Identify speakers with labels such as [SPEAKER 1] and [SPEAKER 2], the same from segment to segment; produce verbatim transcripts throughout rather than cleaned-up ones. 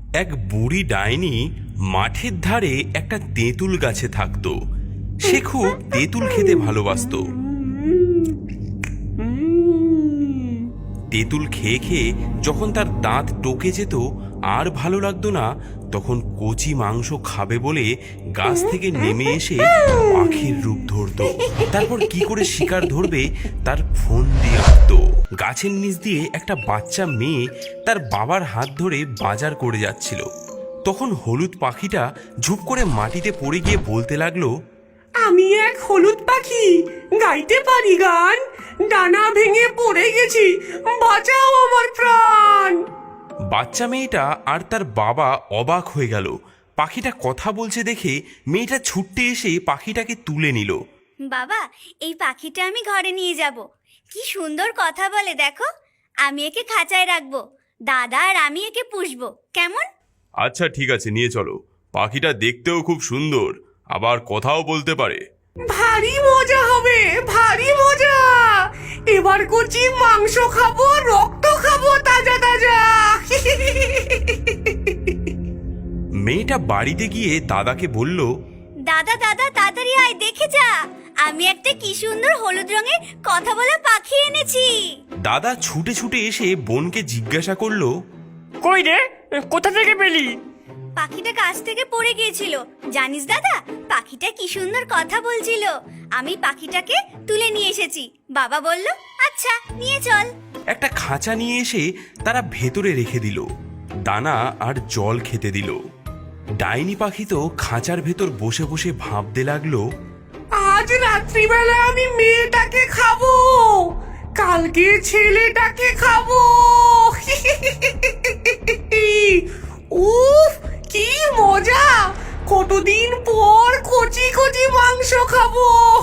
[SPEAKER 1] এক বুড়ি ডাইনি মাঠের ধারে একটা তেঁতুল গাছে থাকতো। সে খুব তেঁতুল খেতে ভালোবাসতো। তেঁতুল খেয়ে খেয়ে যখন তার দাঁত টোকে যেত আর ভালো লাগতো না, তখন কচি মাংস খাবে বলে গাছ থেকে নেমে এসে পাখির রূপ ধরতো। তারপর কি করে শিকার ধরবে তার ফোন দিয়ে আঁকতো। গাছের নিচ দিয়ে একটা বাচ্চা মেয়ে তার বাবার হাত ধরে বাজার করে যাচ্ছিল। তখন হলুদ পাখিটা ঝুপ করে মাটিতে পড়ে গিয়ে বলতে লাগলো,
[SPEAKER 2] আমি এক হলুদ পাখি, গাইতে পারি গান, ডানা ভেঙে পড়ে গেছি, বাঁচাও আমার প্রাণ।
[SPEAKER 1] বাচ্চা মেয়েটা আর তার বাবা অবাক হয়ে গেল। পাখিটা কথা বলছে দেখে মেয়েটা ছুটতে এসে পাখিটাকে তুলে নিল।
[SPEAKER 3] বাবা, এই পাখিটা আমি ঘরে নিয়ে যাব। কি সুন্দর কথা বলে দেখো। আমি একে খাঁচায় রাখবো, দাদা আর আমি একে পুষবো, কেমন?
[SPEAKER 1] আচ্ছা ঠিক আছে, নিয়ে চলো। পাখিটা দেখতেও খুব সুন্দর, আবার কথাও বলতে পারে।
[SPEAKER 2] ভারী মজা হবে, ভারী মজা। এবার কচি মাংস খাবো, রক্ত খাবো তাজা তাজা।
[SPEAKER 1] মেয়েটা বাড়িতে গিয়ে দাদাকে বলল,
[SPEAKER 3] দাদা দাদা তাড়াতাড়ি আয়, দেখে যা, আমি একটা কি সুন্দর হলুদ রঙের কথা বলা পাখি এনেছি।
[SPEAKER 1] দাদা ছুটে ছুটে এসে বোনকে জিজ্ঞাসা করলো,
[SPEAKER 2] কই রে, কোথা থেকে পেলি?
[SPEAKER 3] পাখিটা গাছ থেকে পড়ে গিয়েছিল, জানিস দাদা, পাখিটা কি সুন্দর কথা বলছিল। আমি পাখিটাকে তুলে নিয়ে এসেছি। বাবা বলল, আচ্ছা নিয়ে চল।
[SPEAKER 1] একটা খাঁচা নিয়ে এসে তারা ভেতরে রেখে দিল, দানা আর জল খেতে দিল। ডাইনি পাখি তো খাঁচার ভেতর বসে বসে ভাবতে লাগলো,
[SPEAKER 2] আজ রাত্রিবেলা আমি মেয়েটাকে খাবো, কালকে ছেলেটাকে খাবো। উফ, কি মজা! কতদিন পর কচি কচি মাংস খাবো।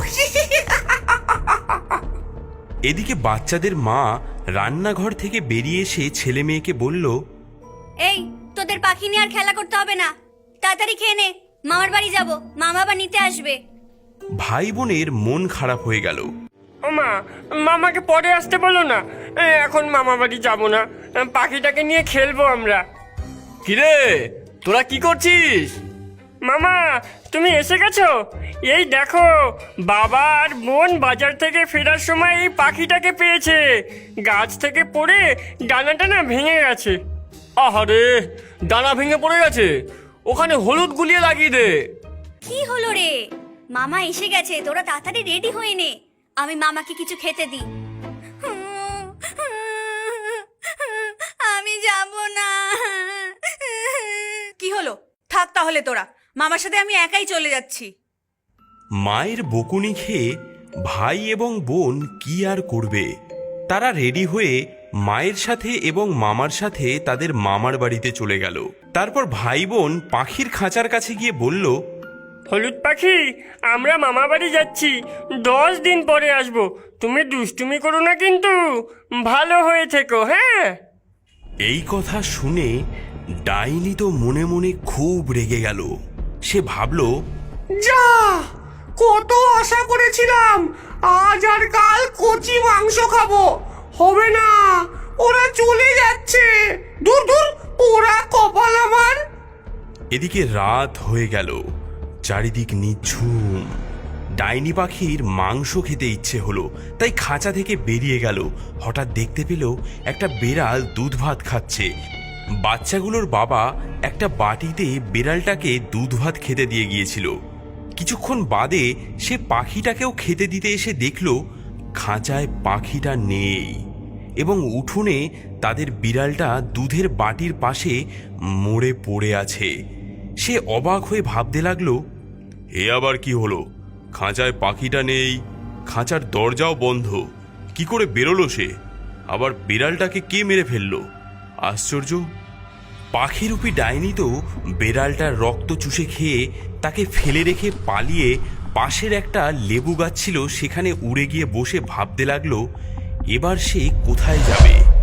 [SPEAKER 1] এদিকে বাচ্চাদের মা রান্নাঘর থেকে বেরিয়ে এসে ছেলে মেয়েকে বলল,
[SPEAKER 3] এই, তোদের পাখি নিয়ে আর খেলা করতে হবে না, তাড়াতাড়ি খেয়ে নে, মামার বাড়ি যাব, মামা আবার নিতে আসবে।
[SPEAKER 1] ভাই বোনের মন খারাপ হয়ে গেল।
[SPEAKER 4] মা, মামাকে পরে আসতে বলো না, এখন মামা বাড়ি যাবো না, পাখিটাকে নিয়ে খেলবো আমরা।
[SPEAKER 5] কিরে, তোরা কি করছিস?
[SPEAKER 4] মামা, তুমি এসে গেছো? এই দেখো, বাবা আর বোন বাজার থেকে ফেরার সময় এই পাখিটাকে পেয়েছে। গাছ থেকে পড়ে ডানাটা না ভেঙে গেছে।
[SPEAKER 5] আহারে, ডানা ভেঙে পড়ে গেছে, ওখানে হলুদ গুলিয়ে লাগিয়ে দে।
[SPEAKER 3] কি হলো রে? মামা এসে গেছে, তোরা তাড়াতাড়ি রেডি হয়ে নে, আমি মামাকে কিছু খেতে দিই। আমি যাব না।
[SPEAKER 6] কি হলো? থাক তাহলে তোরা, মামার সাথে আমি একাই চলে যাচ্ছি।
[SPEAKER 1] মায়ের বকুনি খেয়ে ভাই এবং বোন কি আর করবে, তারা রেডি হয়ে মায়ের সাথে এবং মামার সাথে তাদের মামার বাড়িতে চলে গেল। তারপর ভাই বোন পাখির খাঁচার কাছে গিয়ে বলল,
[SPEAKER 4] হলুদ পাখি, আমরা মামা বাড়ি যাচ্ছি, দশ দিন পরে আসবো। তুমি দুষ্টুমি করো না কিন্তু, ভালো হয়ে থেকো, হ্যাঁ?
[SPEAKER 1] এই কথা শুনে ডাইনি তো মনে মনে খুব রেগে গেল। সে ভাবল,
[SPEAKER 2] যা, কত আশা করেছিলাম, আজ আর কাল কচি মাংস খাবো, হবে না, ওরা চলে যাচ্ছে। দূর দূর, ওরা কপাল আমার।
[SPEAKER 1] এদিকে রাত হয়ে গেল, চারিদিক নিঝুম। ডাইনি পাখির মাংস খেতে ইচ্ছে হলো, তাই খাঁচা থেকে বেরিয়ে গেল। হঠাৎ দেখতে পেল একটা বেড়াল দুধ ভাত খাচ্ছে। বাচ্চাগুলোর বাবা একটা বাটিতে বেড়ালটাকে দুধ ভাত খেতে দিয়ে গিয়েছিল। কিছুক্ষণ বাদে সে পাখিটাকেও খেতে দিতে এসে দেখল খাঁচায় পাখিটা নেই এবং উঠোনে তাদের বিড়ালটা দুধের বাটির পাশে মরে পড়ে আছে। সে অবাক হয়ে ভাবতে লাগলো, এ আবার কি হলো? খাঁচায় পাখিটা নেই, খাঁচার দরজাও বন্ধ, কি করে বেরোলো সে? আবার বিড়ালটাকে কে মেরে ফেললো? আশ্চর্য! পাখিরূপী ডাইনি তো বেড়ালটার রক্ত চুষে খেয়ে তাকে ফেলে রেখে পালিয়ে পাশের একটা লেবু গাছ ছিল সেখানে উড়ে গিয়ে বসে ভাবতে লাগলো, এবার সে কোথায় যাবে।